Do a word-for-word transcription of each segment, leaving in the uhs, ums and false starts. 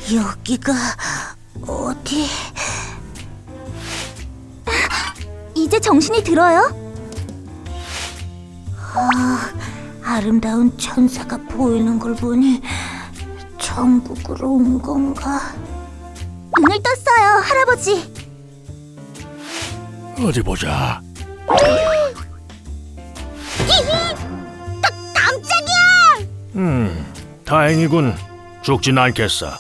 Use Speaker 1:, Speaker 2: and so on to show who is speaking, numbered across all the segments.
Speaker 1: 여기가 어디?
Speaker 2: 이제 정신이 들어요?
Speaker 1: 아, 아름다운 천사가 보이는 걸 보니 천국으로 온 건가?
Speaker 2: 눈을 떴어요, 할아버지.
Speaker 3: 어디 보자.
Speaker 2: 깜짝이야!
Speaker 3: 음, 다행이군. 죽진 않겠어.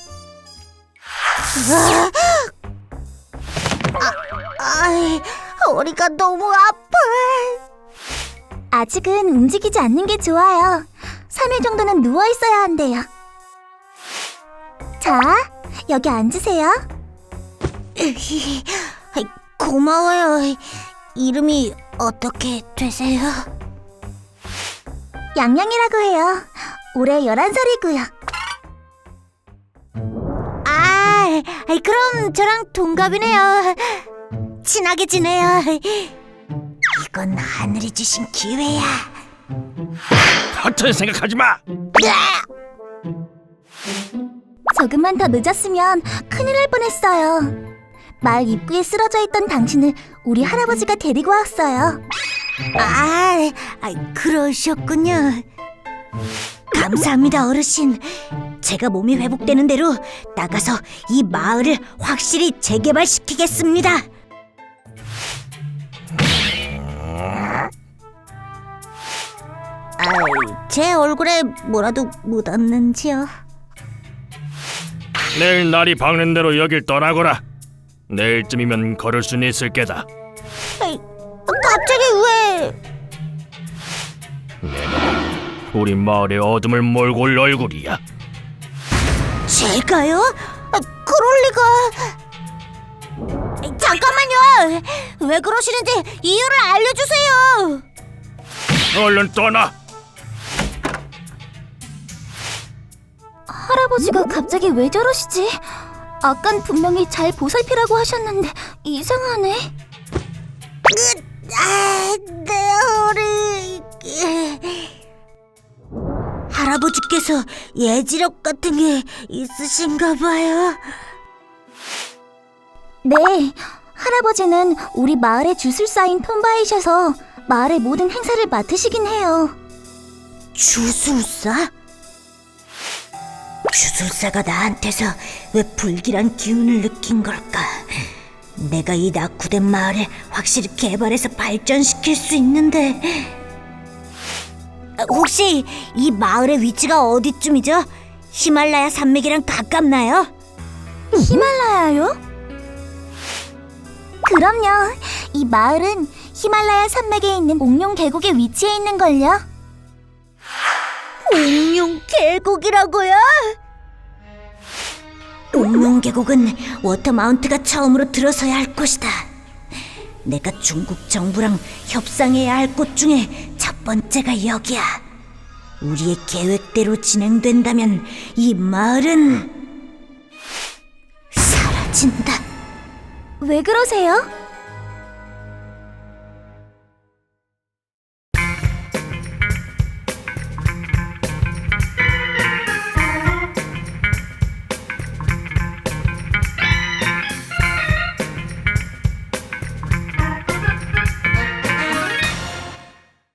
Speaker 1: 아이, 허리가 너무 아파.
Speaker 2: 아직은 움직이지 않는 게 좋아요. 삼 일 정도는 누워 있어야 한대요. 자, 여기 앉으세요.
Speaker 1: 으히, 아이, 고마워요. 이름이 어떻게 되세요?
Speaker 2: 양양이라고 해요. 올해 열한 살이고요.
Speaker 1: 아, 아이, 그럼 저랑 동갑이네요. 친하게 지내요. 이건 하늘이 주신 기회야.
Speaker 3: 같은 생각하지 마.
Speaker 2: 조금만 더 늦었으면 큰일 날 뻔했어요. 마을 입구에 쓰러져 있던 당신을 우리 할아버지가 데리고 왔어요.
Speaker 1: 아, 아, 그러셨군요. 감사합니다, 어르신. 제가 몸이 회복되는 대로 나가서 이 마을을 확실히 재개발시키겠습니다. 아이, 제 얼굴에 뭐라도 묻었는지요?
Speaker 3: 내일 날이 밝는 대로 여길 떠나거라. 내일쯤이면 걸을 수는 있을 게다.
Speaker 1: 아이, 갑자기 왜?
Speaker 3: 우리 마을의 어둠을 몰고 올 얼굴이야.
Speaker 1: 제가요? 아, 그럴 리가. 잠깐만요. 왜 그러시는지 이유를 알려주세요.
Speaker 3: 얼른 떠나.
Speaker 2: 할아버지가 갑자기 왜 저러시지? 아깐 분명히 잘 보살피라고 하셨는데 이상하네.
Speaker 1: 아, 내 허리. 할아버지께서 예지력 같은 게 있으신가 봐요.
Speaker 2: 네, 할아버지는 우리 마을의 주술사인 톰바이셔서 마을의 모든 행사를 맡으시긴 해요.
Speaker 1: 주술사? 주술사가 나한테서 왜 불길한 기운을 느낀 걸까? 내가 이 낙후된 마을을 확실히 개발해서 발전시킬 수 있는데. 혹시 이 마을의 위치가 어디쯤이죠? 히말라야 산맥이랑 가깝나요?
Speaker 2: 히말라야요? 그럼요. 이 마을은 히말라야 산맥에 있는 옥룡 계곡에 위치해 있는걸요.
Speaker 1: 옥룡 계곡이라고요? 옥룡 계곡은 워터마운트가 처음으로 들어서야 할 곳이다. 내가 중국 정부랑 협상해야 할 곳 중에 첫 번째가 여기야. 우리의 계획대로 진행된다면 이 마을은 사라진다.
Speaker 2: 왜 그러세요?